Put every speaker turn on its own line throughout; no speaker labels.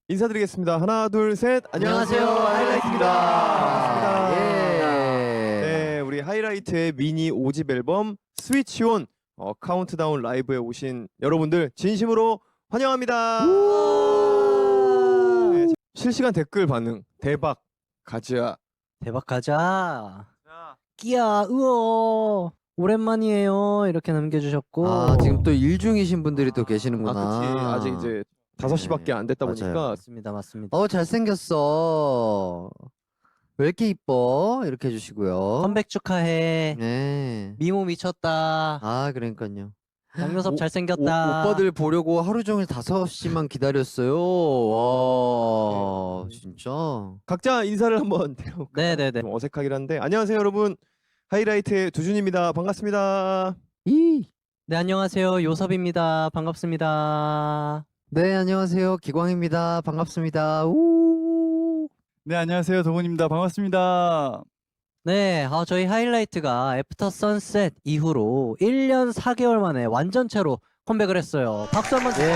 인사드리겠습니다. 하나, 둘, 셋.
안녕하세요.
하이라이트입니다. 반갑습니다.
예.
네, 우리 하이라이트의 미니 5집 앨범 스위치 온 카운트다운 라이브에 오신 여러분들 진심으로 환영합니다. 네, 실시간 댓글 반응 대박 가즈아.
대박 가자. 끼야 으어. 오랜만이에요. 이렇게 남겨주셨고.
아, 지금 또 일 중이신 분들이 또 계시는구나.
그치. 아직 이제 5시밖에 안 됐다
맞아요.
보니까
맞습니다, 맞습니다.
잘생겼어. 왜 이렇게 이뻐? 이렇게 해주시고요.
컴백 축하해.
네.
미모 미쳤다.
아, 그러니까요.
양요섭
오-
잘생겼다.
오빠들 보려고 하루 종일 5시만 기다렸어요. 와, 진짜.
각자 인사를 한번 드려볼까요?
네네네.
좀 어색하긴 한데 안녕하세요 여러분. 하이라이트의 두준입니다. 반갑습니다.
네, 안녕하세요. 요섭입니다. 반갑습니다.
네, 안녕하세요. 기광입니다. 반갑습니다. 우.
네, 안녕하세요. 동훈입니다. 반갑습니다.
네, 저희 하이라이트가 애프터 선셋 이후로 1년 4개월 만에 완전체로 컴백을 했어요. 박수 한번 주세요.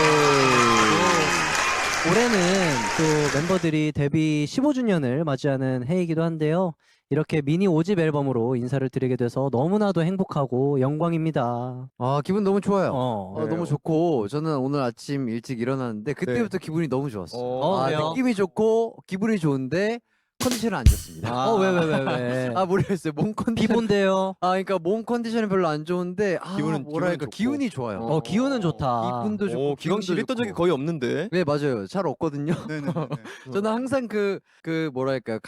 올해는 또 멤버들이 데뷔 15주년을 맞이하는 해이기도 한데요. 이렇게 미니 5집 앨범으로 인사를 드리게 돼서 너무나도 행복하고 영광입니다.
아, 기분 너무 좋아요.
네.
너무 좋고 저는 오늘 아침 일찍 일어났는데 그때부터 기분이 너무 좋았어요.
왜요?
느낌이 좋고 기분이 좋은데 컨디션은 안 좋습니다.
왜?
모르겠어요. 몸 컨디션.
비본데요.
그러니까 몸 컨디션이 별로 안 좋은데
기분은 좋고.
기운이 좋아요.
기운은 좋다.
기분도 좋고
기광 씨
기운도
이랬던 적이
좋고.
거의 없는데.
네, 맞아요. 잘 없거든요.
네네.
저는 항상 그 뭐랄까요,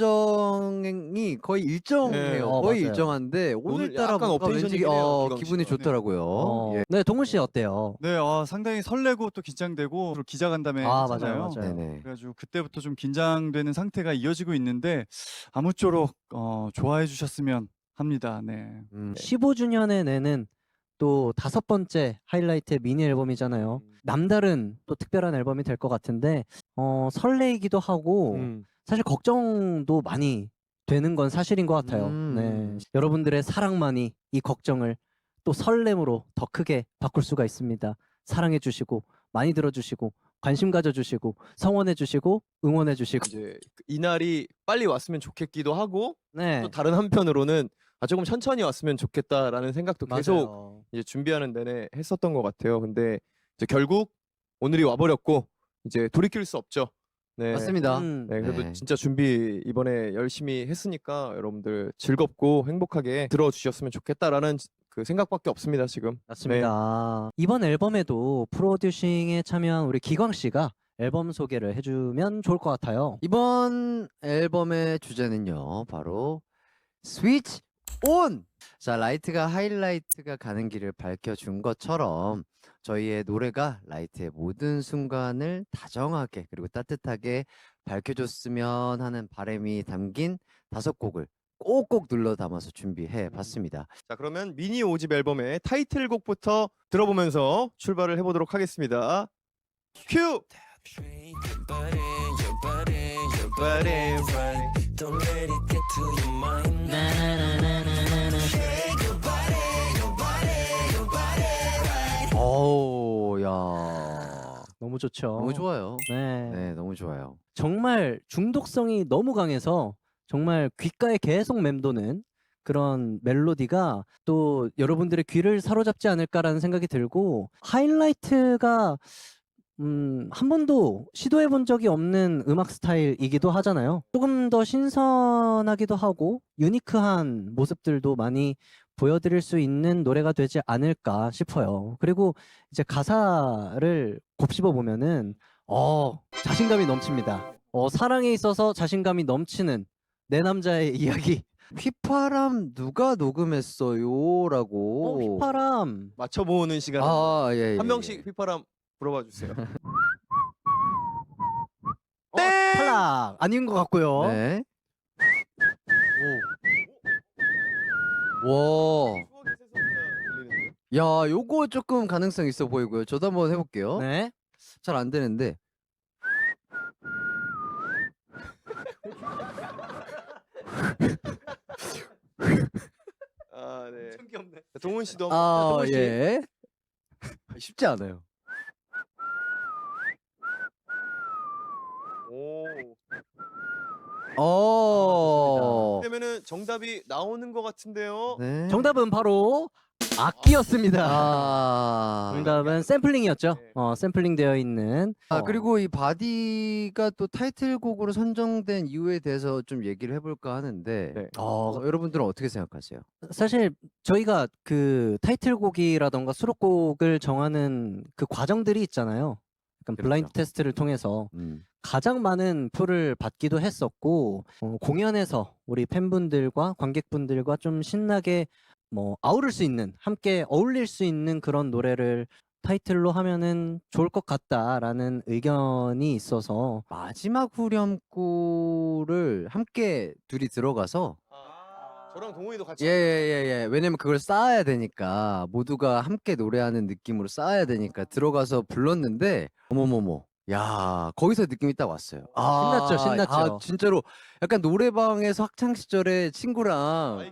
감정이 거의 일정해요.
네.
거의
맞아요.
일정한데
오늘
오늘따라
약간
뭔가 왠지
업텐션이긴 해요, 기광
기분이
씨가.
좋더라고요. 예.
네, 동훈 씨 어때요?
네, 상당히 설레고 또 긴장되고 그리고 기자 간담회
맞아요,
했잖아요.
맞아요.
네네.
그래가지고 그때부터 좀 긴장되는 상태가 이어지고 있는데 아무쪼록 좋아해 주셨으면 합니다. 네.
15주년에 내는 또 5번째 하이라이트의 미니 앨범이잖아요. 남다른 또 특별한 앨범이 될 것 같은데 설레이기도 하고 사실 걱정도 많이 되는 건 사실인 것 같아요. 네. 여러분들의 사랑만이 이 걱정을 또 설렘으로 더 크게 바꿀 수가 있습니다. 사랑해 주시고 많이 들어주시고 관심 가져주시고 성원해 주시고 응원해 주시고
이제 이 날이 빨리 왔으면 좋겠기도 하고
네.
또 다른 한편으로는 조금 천천히 왔으면 좋겠다라는 생각도 계속
맞아요.
이제 준비하는 내내 했었던 것 같아요. 근데 이제 결국 오늘이 와버렸고 이제 돌이킬 수 없죠. 네.
맞습니다.
네, 그래도
네.
진짜 준비 이번에 열심히 했으니까 여러분들 즐겁고 행복하게 들어주셨으면 좋겠다라는 그 생각밖에 없습니다 지금.
맞습니다. 이번 앨범에도 프로듀싱에 참여한 우리 기광 씨가 앨범 소개를 해주면 좋을 것 같아요.
이번 앨범의 주제는요, 바로 스위치 온! 자, 라이트가 하이라이트가 가는 길을 밝혀준 것처럼 저희의 노래가 라이트의 모든 순간을 다정하게 그리고 따뜻하게 밝혀줬으면 하는 바람이 담긴 5곡을 꼭꼭 눌러 담아서 준비해 봤습니다.
자, 그러면 미니 5집 앨범의 타이틀곡부터 들어보면서 출발을 해보도록 하겠습니다. 큐!
어우, 야,
너무 좋죠.
너무 좋아요.
네.
네, 너무 좋아요.
정말 중독성이 너무 강해서 정말 귓가에 계속 맴도는 그런 멜로디가 또 여러분들의 귀를 사로잡지 않을까라는 생각이 들고 하이라이트가 한 번도 시도해 본 적이 없는 음악 스타일이기도 하잖아요. 조금 더 신선하기도 하고 유니크한 모습들도 많이 보여드릴 수 있는 노래가 되지 않을까 싶어요. 그리고 이제 가사를 곱씹어 보면은 자신감이 넘칩니다. 사랑에 있어서 자신감이 넘치는 내 남자의 이야기.
휘파람 누가 녹음했어요? 라고.
휘파람.
맞춰보는 시간
예.
한 명씩 휘파람 불어봐 주세요.
탈락 아닌 것 같고요.
네. 와. 야, 요거 조금 가능성 있어 보이고요. 저도 한번 해볼게요.
네.
잘 안 되는데.
네. 동훈 씨도 한번 동훈 씨.
예. 쉽지 않아요.
오. 그러면은 정답이 나오는 것 같은데요.
네.
정답은 바로 악기였습니다. 정답은 샘플링이었죠.
네.
샘플링 되어 있는.
그리고 이 바디가 또 타이틀곡으로 선정된 이유에 대해서 좀 얘기를 해볼까 하는데
네.
여러분들은 어떻게 생각하세요?
사실 저희가 그 타이틀곡이라던가 수록곡을 정하는 그 과정들이 있잖아요. 약간 블라인드
그렇죠.
테스트를 통해서 가장 많은 표를 받기도 했었고 공연에서 우리 팬분들과 관객분들과 좀 신나게 뭐 아우를 수 있는, 함께 어울릴 수 있는 그런 노래를 타이틀로 하면은 좋을 것 같다라는 의견이 있어서
마지막 후렴구를 함께 둘이 들어가서
저랑 동훈이도 같이.
예예예. 왜냐면 그걸 쌓아야 되니까 모두가 함께 노래하는 느낌으로 쌓아야 되니까 들어가서 불렀는데 어머머머. 야, 거기서 느낌이 딱 왔어요.
신났죠.
진짜로 약간 노래방에서 학창 시절에 친구랑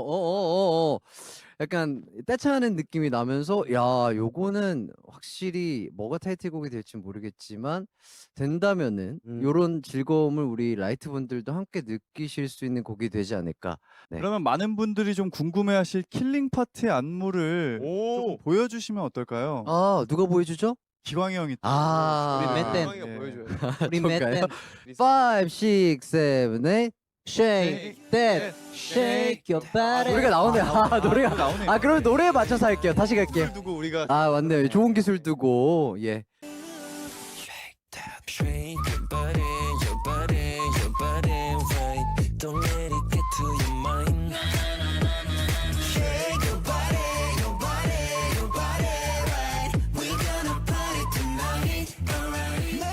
약간 떼창하는 느낌이 나면서 야, 요거는 확실히 뭐가 타이틀곡이 될지 모르겠지만 된다면은 요런 즐거움을 우리 라이트 분들도 함께 느끼실 수 있는 곡이 되지 않을까. 네.
그러면 많은 분들이 좀 궁금해하실 킬링 파트의 안무를
오.
조금 보여주시면 어떨까요?
누가 보여주죠?
기광이 형이 또
우리 맷댄.
기광이가
네.
보여줘요.
우리
저까요?
맷댄
5, 6, 7, 8
shake that, shake your body.
노래가 나오네요. 노래가
나오네요.
그러면 노래에 맞춰서 할게요. 다시 갈게요.
기술 두고 우리가
맞네요. 좋은 기술 두고 예.
Shake your body, your body, your body right. Don't let it get to your mind. Shake your body, your body, your body right. We gonna party tonight, alright.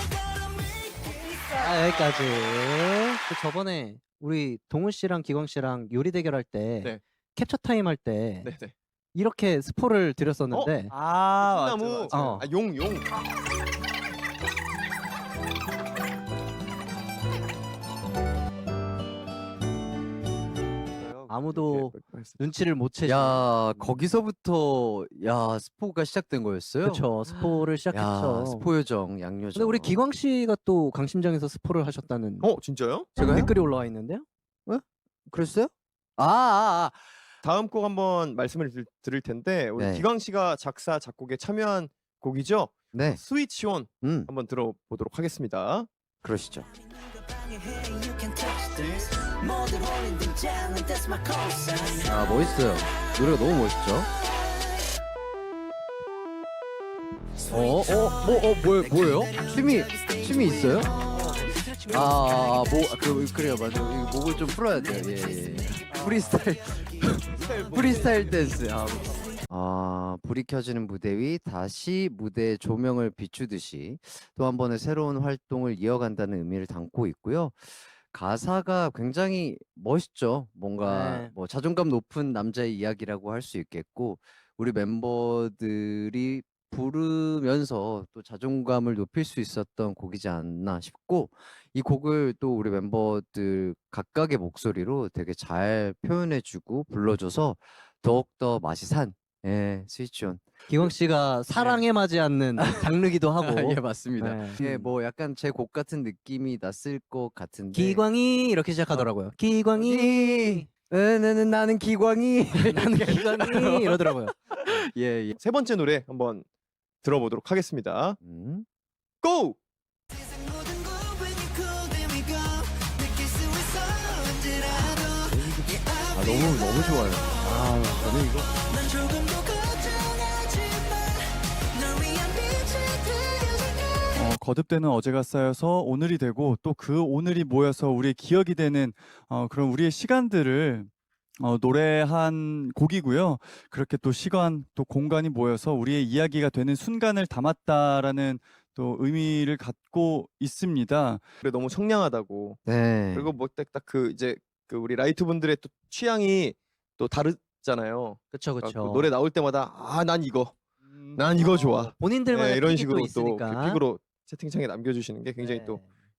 여기까지. 그 저번에 우리 동훈 씨랑 기광 씨랑 요리 대결할 때
네.
캡처 타임 할 때
네네.
이렇게 스포를 드렸었는데
나무.
어.
용.
아무도 눈치를 못 채죠.
야, 거기서부터 스포가 시작된 거였어요?
그렇죠. 스포를 시작했죠.
스포 요정, 양요정.
근데 우리 기광 씨가 또 강심장에서 스포를 하셨다는
진짜요?
제가요?
댓글이 올라와 있는데요.
그랬어요?
다음 곡 한번 말씀을 드릴 텐데 우리
네.
기광 씨가 작사 작곡에 참여한 곡이죠.
네.
스위치 온
음,
한번 들어보도록 하겠습니다.
그러시죠.
You can touch this. 모두 버린 등장은 that's my concept.
멋있어요. 노래가 너무 멋있죠? 뭐예요? 춤이 있어요? 그래요, 맞아. 이거 목을 좀 풀어야 돼요. 예. 프리스타일 댄스. 불이 켜지는 무대 위 다시 무대의 조명을 비추듯이 또 한 번의 새로운 활동을 이어간다는 의미를 담고 있고요. 가사가 굉장히 멋있죠. 뭔가
네.
뭐 자존감 높은 남자의 이야기라고 할 수 있겠고 우리 멤버들이 부르면서 또 자존감을 높일 수 있었던 곡이지 않나 싶고 이 곡을 또 우리 멤버들 각각의 목소리로 되게 잘 표현해주고 불러줘서 더욱더 맛이 산 스위치온.
기광 씨가 사랑에 맞지 않는 장르기도 하고.
예, 맞습니다.
네.
예, 뭐 약간 제 곡 같은 느낌이 났을 것 같은데.
기광이 이렇게 시작하더라고요. 기광이
나는 기광이.
나는 기광이 이러더라고요.
예.
세 번째 노래 한번 들어보도록 하겠습니다. 고!
세상 모든 걸 when you call then we go. 느낄 수 있어 언제라도.
너무 좋아요. 저는 이거.
난 조금도 걱정하지 마. 널 위한 빛이 되어줄게.
거듭되는 어제가 쌓여서 오늘이 되고 또 그 오늘이 모여서 우리의 기억이 되는 그런 우리의 시간들을 노래한 곡이고요. 그렇게 또 시간 또 공간이 모여서 우리의 이야기가 되는 순간을 담았다라는 또 의미를 갖고 있습니다.
그래 너무 청량하다고.
네.
그리고 뭐 딱 그 이제 그 우리 라이트 분들의 또 취향이 또 다르잖아요.
그렇죠,
그러니까 그 노래 나올 때마다 난 이거 좋아.
본인들만의
이런
픽이
식으로
또 있으니까.
또 픽으로 채팅창에 남겨주시는 게 굉장히
네.
또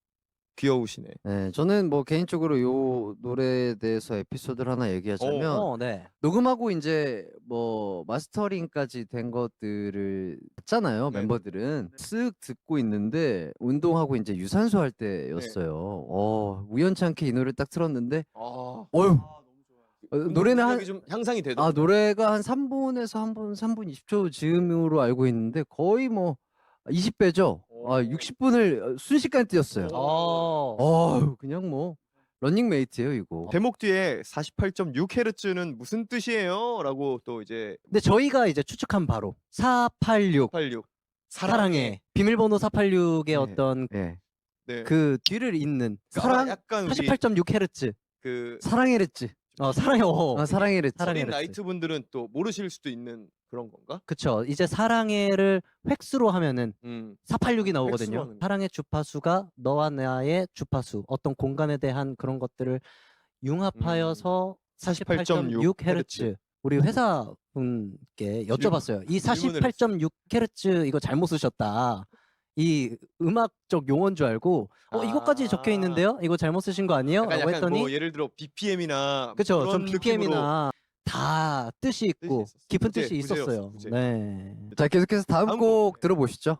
귀여우시네.
네, 저는 뭐 개인적으로 요 노래에 대해서 에피소드를 하나 얘기하자면
네.
녹음하고 이제 뭐 마스터링까지 된 것들을 봤잖아요.
네네.
멤버들은 쓱 듣고 있는데 운동하고 이제 유산소 할 때였어요. 우연찮게 이 노래를 딱 틀었는데
아,
어휴
운동
노래는
능력이 좀 향상이 되더라고요.
노래가 한 3분에서 3분 20초 즈음으로 알고 있는데 거의 뭐 20배죠.
오.
60분을 순식간에 뛰었어요. 그냥 뭐 런닝메이트예요 이거.
제목 뒤에 48.6Hz는 무슨 뜻이에요? 라고 또 이제
근데 저희가 이제 추측한 바로 486
86
사랑해 비밀번호 486의
네.
어떤
예.
네.
그 뒤를 잇는
그러니까
사랑
약간 우리
48.6Hz
그
사랑해랬지.
사랑해
사랑해랬지.
사랑해.
어린
사랑해랬지.
나이트 분들은 또 모르실 수도 있는 그런 건가?
그쵸. 이제 사랑해를 획수로 하면은 486이 나오거든요.
획수로 하는 거.
사랑의 주파수가 너와 나의 주파수, 어떤 공간에 대한 그런 것들을 융합하여서 48.6Hz. 우리 회사 분께 여쭤봤어요. 이
질문을
48.6Hz 이거 잘못 쓰셨다. 이 음악적 용어인 줄 알고 이것까지 적혀 있는데요? 이거 잘못 쓰신 거 아니에요?
약간,
라고 했더니
뭐 예를 들어 BPM이나
그쵸.
그런
좀
느낌으로
BPM이나 다 뜻이 있고
있었어.
깊은
부제,
뜻이
부제였어,
있었어요.
부제.
네.
자 계속해서 다음
다음
곡
곡.
들어보시죠.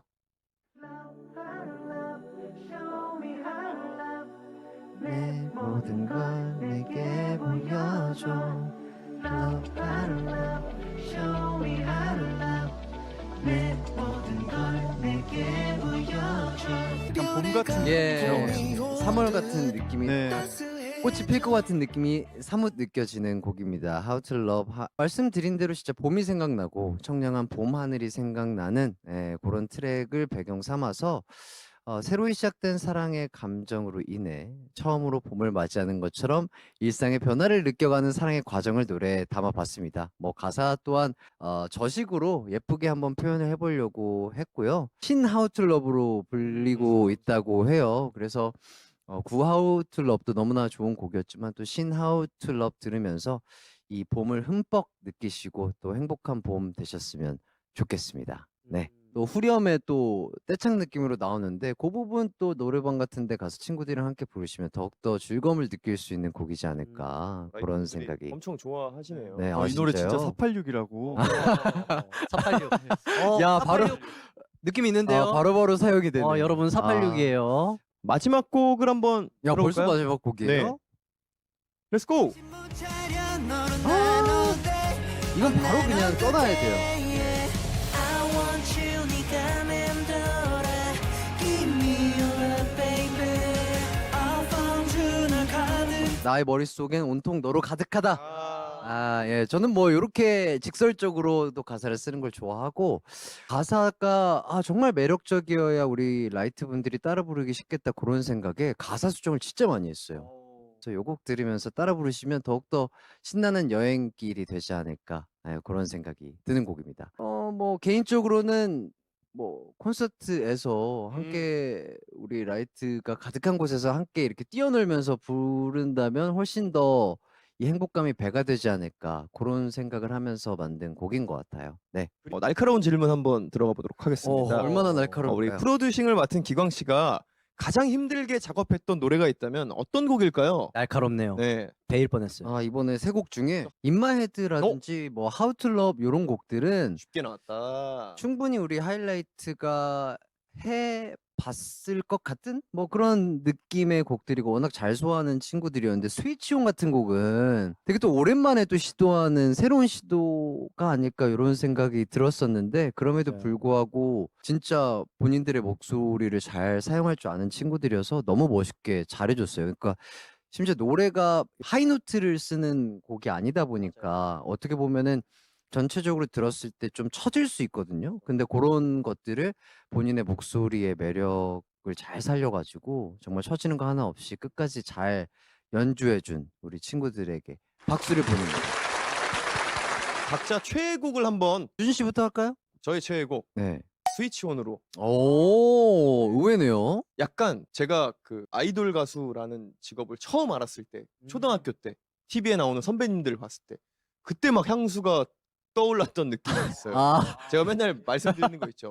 내 모든 걸 내게 보여줘. Love, how to love, show me how to love. 내 모든 걸 내게 보여줘.
약간 봄 같은
예, 3월 같은 느낌이
네.
꽃이 필 것 같은 느낌이 사뭇 느껴지는 곡입니다. How to Love. 말씀드린 대로 진짜 봄이 생각나고 청량한 봄 하늘이 생각나는 그런 트랙을 배경 삼아서 새로이 시작된 사랑의 감정으로 인해 처음으로 봄을 맞이하는 것처럼 일상의 변화를 느껴가는 사랑의 과정을 노래에 담아봤습니다. 뭐 가사 또한 저식으로 예쁘게 한번 표현을 해보려고 했고요. 신 How to Love로 불리고 있다고 해요. 그래서 구 How to Love도 너무나 좋은 곡이었지만 또 신 How to Love 들으면서 이 봄을 흠뻑 느끼시고 또 행복한 봄 되셨으면 좋겠습니다. 네. 또 후렴에 또 떼창 느낌으로 나오는데 그 부분 또 노래방 같은 데 가서 친구들이랑 함께 부르시면 더욱더 즐거움을 느낄 수 있는 곡이지 않을까 그런
라이브분들이
생각이.
엄청 좋아하시네요.
네,
이 노래 진짜
진짜요?
486이라고.
486.
야, 바로
느낌 있는데요.
바로바로 사용이 되네.
여러분 486이에요.
마지막 곡을 한번
야, 벌써
들어볼까요?
마지막 곡이에요?
네. Let's go.
이건 바로 그냥 떠나야 돼요.
I want you, 네가 맴돌아. Give me your love, baby. I found you, 나 가득.
나의 머릿속엔 온통 너로 가득하다.
아,
예, 저는 뭐 이렇게 직설적으로도 가사를 쓰는 걸 좋아하고 가사가 정말 매력적이어야 우리 라이트 분들이 따라 부르기 쉽겠다 그런 생각에 가사 수정을 진짜 많이 했어요. 그래서 요 곡 들으면서 따라 부르시면 더욱더 신나는 여행길이 되지 않을까 그런 생각이 드는 곡입니다. 뭐 개인적으로는 뭐 콘서트에서 함께 우리 라이트가 가득한 곳에서 함께 이렇게 뛰어놀면서 부른다면 훨씬 더 이 행복감이 배가 되지 않을까 그런 생각을 하면서 만든 곡인 것 같아요. 네.
날카로운 질문 한번 들어가 보도록 하겠습니다.
얼마나 날카로울까요?
우리 프로듀싱을 맡은 기광 씨가 가장 힘들게 작업했던 노래가 있다면 어떤 곡일까요?
날카롭네요.
네.
베일 뻔했어요.
이번에 세 곡 중에 인마헤드라든지 뭐 How to Love 이런 곡들은
쉽게 나왔다.
충분히 우리 하이라이트가 해 봤을 것 같은 뭐 그런 느낌의 곡들이고 워낙 잘 소화하는 친구들이었는데 스위치온 같은 곡은 되게 또 오랜만에 또 시도하는 새로운 시도가 아닐까 이런 생각이 들었었는데 그럼에도
맞아요.
불구하고 진짜 본인들의 목소리를 잘 사용할 줄 아는 친구들이어서 너무 멋있게 잘해줬어요. 그러니까 심지어 노래가 하이노트를 쓰는 곡이 아니다 보니까 어떻게 보면은 전체적으로 들었을 때 좀 처질 수 있거든요. 근데 그런 것들을 본인의 목소리의 매력을 잘 살려가지고 정말 처지는 거 하나 없이 끝까지 잘 연주해준 우리 친구들에게 박수를 보냅니다.
각자 최애곡을 한번
유진 씨부터 할까요?
저의 최애곡
네.
스위치온으로.
오, 의외네요.
약간 제가 그 아이돌 가수라는 직업을 처음 알았을 때 초등학교 때 TV에 나오는 선배님들 봤을 때 그때 막 향수가 떠올랐던 느낌이 있어요. 제가 맨날 말씀드리는 거 있죠.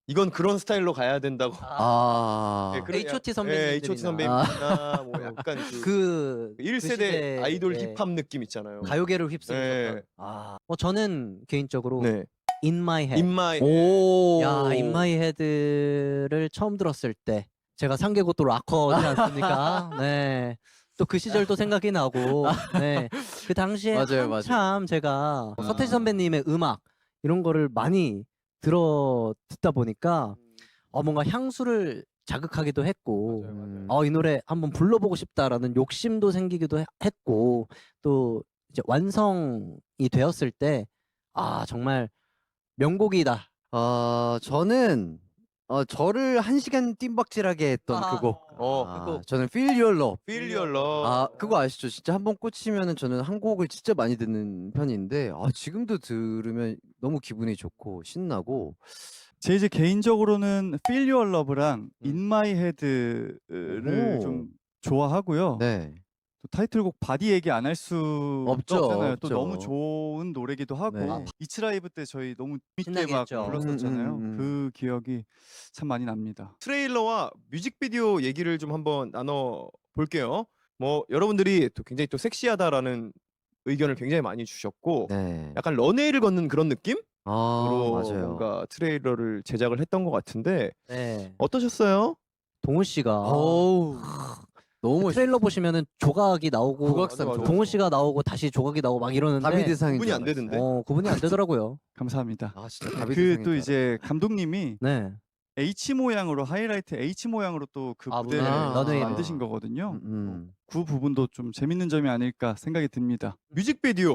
이건 그런 스타일로 가야 된다고.
아.
그런
H.O.T.
예,
선배님들이나.
H.O.T. 선배님이나 뭐 약간 그 1세대
시대에,
아이돌
예,
힙합 느낌 있잖아요.
가요계를 휩쓸었던.
네.
저는 개인적으로
네.
In My Head.
인마이.
오.
야, In My Head를 처음 들었을 때 제가 상계고 또 락커지 않습니까? 네. 또 그 시절도 생각이 나고, 네. 그 당시에
맞아요, 맞아요.
한참 제가 서태지 선배님의 음악 이런 거를 많이 듣다 보니까 뭔가 향수를 자극하기도 했고, 이 노래 한번 불러보고 싶다라는 욕심도 생기기도 했고, 또 이제 완성이 되었을 때 정말 명곡이다.
저는 저를 1시간 뜀박질하게 했던 그 곡.
그
곡.
저는 Feel Your Love.
Feel Your Love.
그거 아시죠? 진짜 한번 꽂히면은 저는 한 곡을 진짜 많이 듣는 편인데 지금도 들으면 너무 기분이 좋고 신나고.
제 이제 개인적으로는 Feel Your Love랑 In My Head를
오.
좀 좋아하고요.
네.
또 타이틀곡 바디 얘기 안 할 수
없죠,
없잖아요. 또
없죠.
너무 좋은 노래기도 하고
네.
이츠 라이브 때 저희 너무 재밌게
신나게
막
했죠.
불렀었잖아요.
음.
그 기억이 참 많이 납니다.
트레일러와 뮤직비디오 얘기를 좀 한번 나눠 볼게요. 뭐 여러분들이 또 굉장히 또 섹시하다라는 의견을 굉장히 많이 주셨고
네.
약간 런웨이를 걷는 그런 느낌으로
맞아요.
뭔가 트레일러를 제작을 했던 것 같은데
네.
어떠셨어요?
동훈 씨가
어우. 너무 멋있.
트레일러 보시면은 조각이 나오고
국악산
맞아, 맞아.
동훈 씨가 나오고 다시 조각이 나오고 막 이러는데
다비드상인
구분이
줄
안
알았어요.
되던데.
구분이 안 되더라고요.
감사합니다.
진짜
그
다비드상인
또
줄
이제 감독님이
네.
H 모양으로 하이라이트 H 모양으로 또 그 무대를
런웨이를.
만드신 거거든요.
알았어요.
그 부분도 좀 재밌는 점이 아닐까 생각이 듭니다.
뮤직비디오.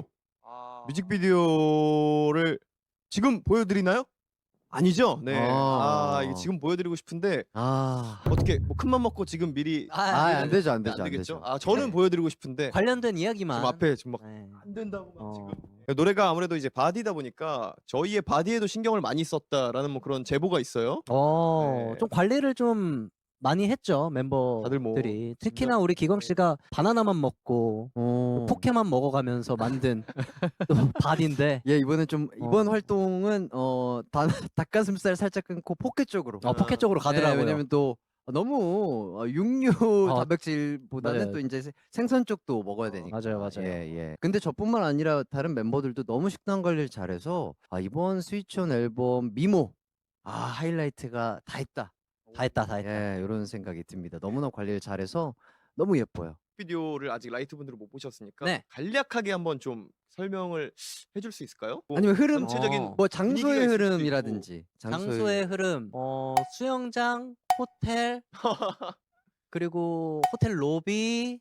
뮤직비디오를 지금 보여드리나요? 아니죠. 네. 이게 지금 보여드리고 싶은데 어떻게 뭐 큰맘 먹고 지금 미리
안 되죠, 안
네,
되죠, 안
되겠죠.
되죠.
저는 보여드리고 싶은데
관련된 이야기만.
지금 앞에 지금 막
네.
안 된다고 막 지금
어.
노래가 아무래도 이제 바디다 보니까 저희의 바디에도 신경을 많이 썼다라는 뭐 그런 제보가 있어요. 네.
좀 관리를 좀 많이 했죠,
다들 뭐
멤버들이. 특히나 우리 기광 씨가 바나나만 먹고 포케만 먹어가면서 만든 또 바디인데.
예, 이번에 좀 이번 활동은 닭가슴살 살짝 끊고 포켓 쪽으로.
포켓 쪽으로 가더라고요.
왜냐면 또 너무 육류 단백질보다는
맞아요.
또 이제 생선 쪽도 먹어야 되니까.
맞아요.
예. 근데 저뿐만 아니라 다른 멤버들도 너무 식단 관리를 잘해서 이번 스위치온 앨범 미모 하이라이트가 다 했다.
다 했다.
예, 이런 생각이 듭니다. 너무나 관리를 잘해서 너무 예뻐요.
비디오를 아직 라이트 분들은 못 보셨으니까
네.
간략하게 한번 좀 설명을 해줄 수 있을까요? 뭐
아니면 흐름,
전체적인
뭐
분위기가
장소의
있을 수도
흐름이라든지.
장소의 흐름, 수영장, 호텔, 그리고 호텔 로비,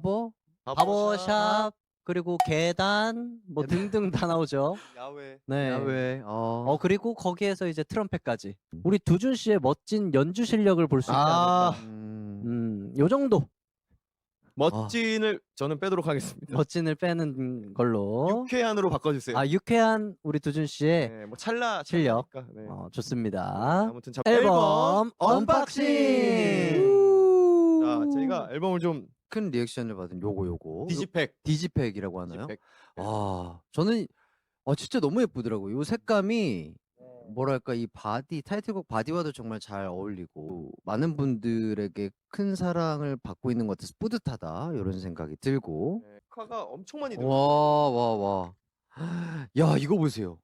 바버샵, 그리고 계단, 뭐 등등 다 나오죠.
야외.
네.
야외.
그리고 거기에서 이제 트럼펫까지. 우리 두준 씨의 멋진 연주 실력을 볼 수 있지 않을까. 요 정도
멋진을 저는 빼도록 하겠습니다.
멋진을 빼는 걸로.
유쾌한으로 바꿔주세요.
유쾌한 우리 두준 씨의
네, 뭐 찰나
실력.
찰나니까, 네.
좋습니다.
아무튼 자,
앨범 언박싱.
자, 저희가 앨범을 좀
큰 리액션을 받은 요거
디지팩.
디지팩이라고 하나요?
디지팩.
저는 진짜 너무 예쁘더라고요. 요 색감이 뭐랄까 이 바디 타이틀곡 바디와도 정말 잘 어울리고 많은 분들에게 큰 사랑을 받고 있는 것 같아서 뿌듯하다 이런 생각이 들고.
네, 카가 엄청 많이 들어.
와. 야, 이거 보세요.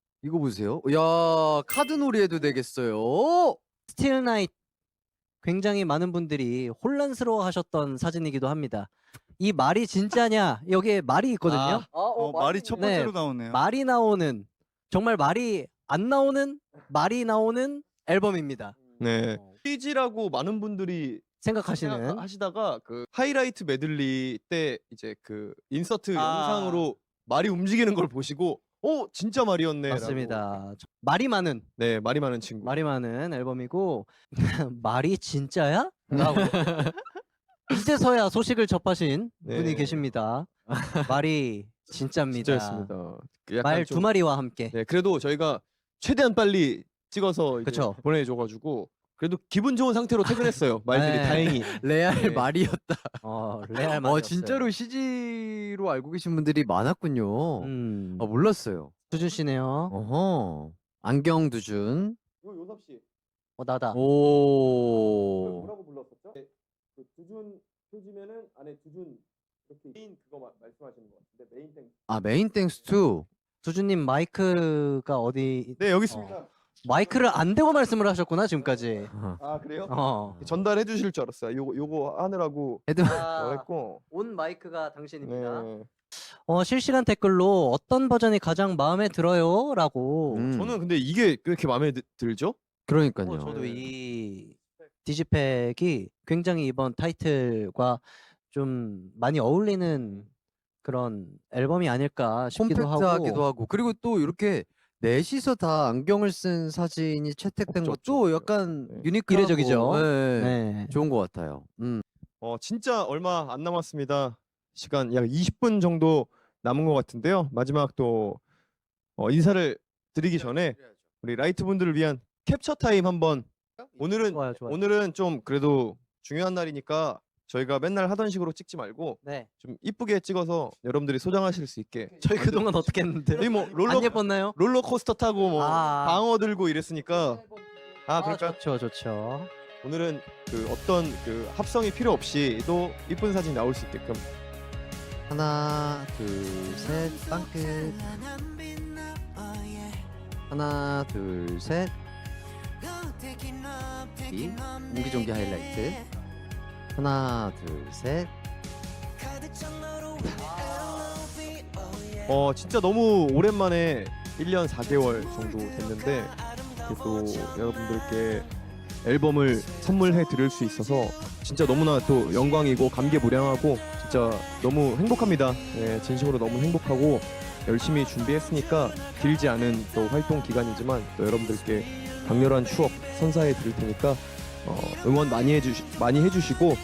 야, 카드 놀이해도 되겠어요.
스틸 나잇 굉장히 많은 분들이 혼란스러워 하셨던 사진이기도 합니다. 이 말이 진짜냐? 여기에 말이 있거든요.
말이 첫
네.
번째로 나오네요.
말이 나오는, 정말 말이 안 나오는, 말이 나오는 앨범입니다.
네. 퀴즈라고 많은 분들이
생각하시는.
하시다가 그 하이라이트 메들리 때 이제 그 인서트 영상으로 말이 움직이는 걸 보시고 진짜 말이었네.
맞습니다. 말이 많은,
네, 말이 많은 친구.
말이 많은 앨범이고 말이 진짜야? 라고 이제서야 소식을 접하신
네.
분이 계십니다. 말이 진짜입니다.
진짜였습니다. 그 약간
말
좀-
두 마리와 함께.
네, 그래도 저희가 최대한 빨리 찍어서 이제
그쵸.
보내줘가지고 그래도 기분 좋은 상태로 퇴근했어요. 말들이
네.
다행히.
레알
네.
말이었다.
레알 말이었어요.
진짜로 CG로 알고 계신 분들이 많았군요. 몰랐어요.
두준 씨네요.
어허. 안경 두준.
요섭 씨.
나다.
오.
뭐라고 불렀었죠? 그 두준 표지면은 안에 두준 이렇게 메인 그거 말씀하시는 것 같은데 메인 땡.
아, 메인 땡스 투.
두준님 마이크가 어디?
네 여기 있습니다.
마이크를 안 대고 말씀을 하셨구나 지금까지.
아 그래요? 전달해 주실 줄 알았어요. 요거 하느라고
헤드
했고.
온 마이크가 당신입니다.
네.
실시간 댓글로 어떤 버전이 가장 마음에 들어요?라고.
저는 근데 이게 왜 이렇게 마음에 들죠?
그러니까요.
저도 이 디지팩이 굉장히 이번 타이틀과 좀 많이 어울리는 그런 앨범이 아닐까 싶기도 하고.
콤팩트하기도 하고 그리고 또 이렇게 넷이서 다 안경을 쓴 사진이 채택된
없죠,
것도
없죠.
약간
네.
유니크하고
이례적이죠.
네.
네.
좋은 것 같아요.
진짜 얼마 안 남았습니다. 시간 약 20분 정도 남은 것 같은데요. 마지막 또 인사를 드리기 전에 우리 라이트 분들을 위한 캡처 타임 한번.
좋아요.
오늘은 좀 그래도 중요한 날이니까 저희가 맨날 하던 식으로 찍지 말고
네.
좀 이쁘게 찍어서 여러분들이 소장하실 수 있게.
저희 그동안 어떻게 했는데?
저희 뭐
안 예뻤나요?
롤러코스터 타고 뭐
아.
방어 들고 이랬으니까. 그러니까
좋죠.
오늘은 그 어떤 그 합성이 필요 없이도 이쁜 사진 나올 수 있게끔.
하나, 둘, 셋, 빵끝. 하나, 둘, 셋. 이 옹기종기 하이라이트. 하나, 둘, 셋.
진짜 너무 오랜만에 1년 4개월 정도 됐는데 이렇게 또 여러분들께 앨범을 선물해 드릴 수 있어서 진짜 너무나 또 영광이고 감개무량하고 진짜 너무 행복합니다. 네, 진심으로 너무 행복하고 열심히 준비했으니까 길지 않은 또 활동 기간이지만 또 여러분들께 강렬한 추억 선사해 드릴 테니까 응원 많이 해주시고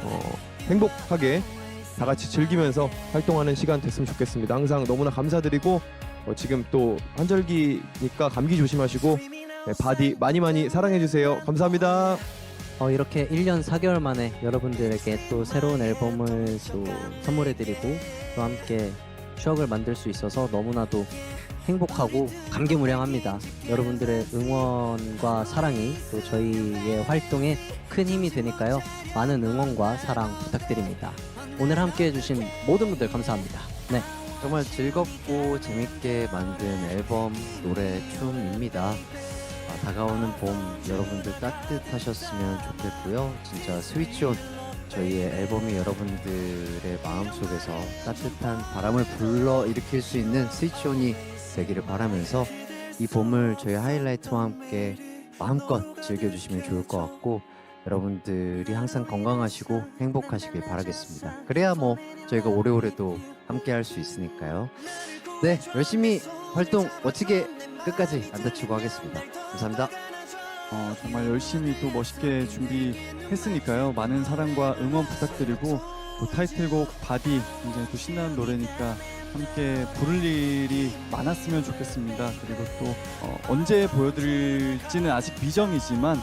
행복하게 다 같이 즐기면서 활동하는 시간 됐으면 좋겠습니다. 항상 너무나 감사드리고 지금 또 한절기니까 감기 조심하시고 바디 많이 사랑해주세요. 감사합니다.
이렇게 1년 4개월 만에 여러분들에게 또 새로운 앨범을 또 선물해드리고 또 함께 추억을 만들 수 있어서 너무나도 행복하고 감개무량합니다. 여러분들의 응원과 사랑이 또 저희의 활동에 큰 힘이 되니까요. 많은 응원과 사랑 부탁드립니다. 오늘 함께 해주신 모든 분들 감사합니다. 네.
정말 즐겁고 재밌게 만든 앨범, 노래, 춤입니다. 다가오는 봄 여러분들 따뜻하셨으면 좋겠고요. 진짜 스위치온 저희의 앨범이 여러분들의 마음속에서 따뜻한 바람을 불러일으킬 수 있는 스위치온이 되기를 바라면서 이 봄을 저희 하이라이트와 함께 마음껏 즐겨주시면 좋을 것 같고 여러분들이 항상 건강하시고 행복하시길 바라겠습니다. 그래야 뭐 저희가 오래오래 또 함께 할 수 있으니까요. 네, 열심히 활동 멋지게 끝까지 안 다치고 하겠습니다. 감사합니다.
정말 열심히 또 멋있게 준비했으니까요. 많은 사랑과 응원 부탁드리고 또 타이틀곡 바디 굉장히 또 신나는 노래니까 함께 부를 일이 많았으면 좋겠습니다. 그리고 또 언제 보여드릴지는 아직 미정이지만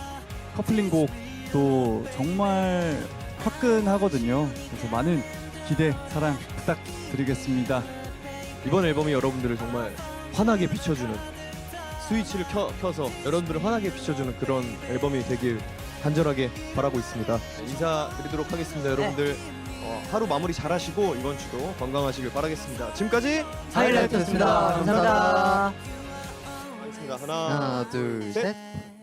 커플링곡도 정말 화끈하거든요. 그래서 많은 기대, 사랑 부탁드리겠습니다.
이번 앨범이 여러분들을 정말 환하게 비춰주는 스위치를 켜서 여러분들을 환하게 비춰주는 그런 앨범이 되길 간절하게 바라고 있습니다. 인사드리도록 하겠습니다. 여러분들 하루 마무리 잘하시고 이번 주도 건강하시길 바라겠습니다. 지금까지
하이라이트였습니다. 감사합니다.
하겠습니다.
하나, 둘,
셋.
셋.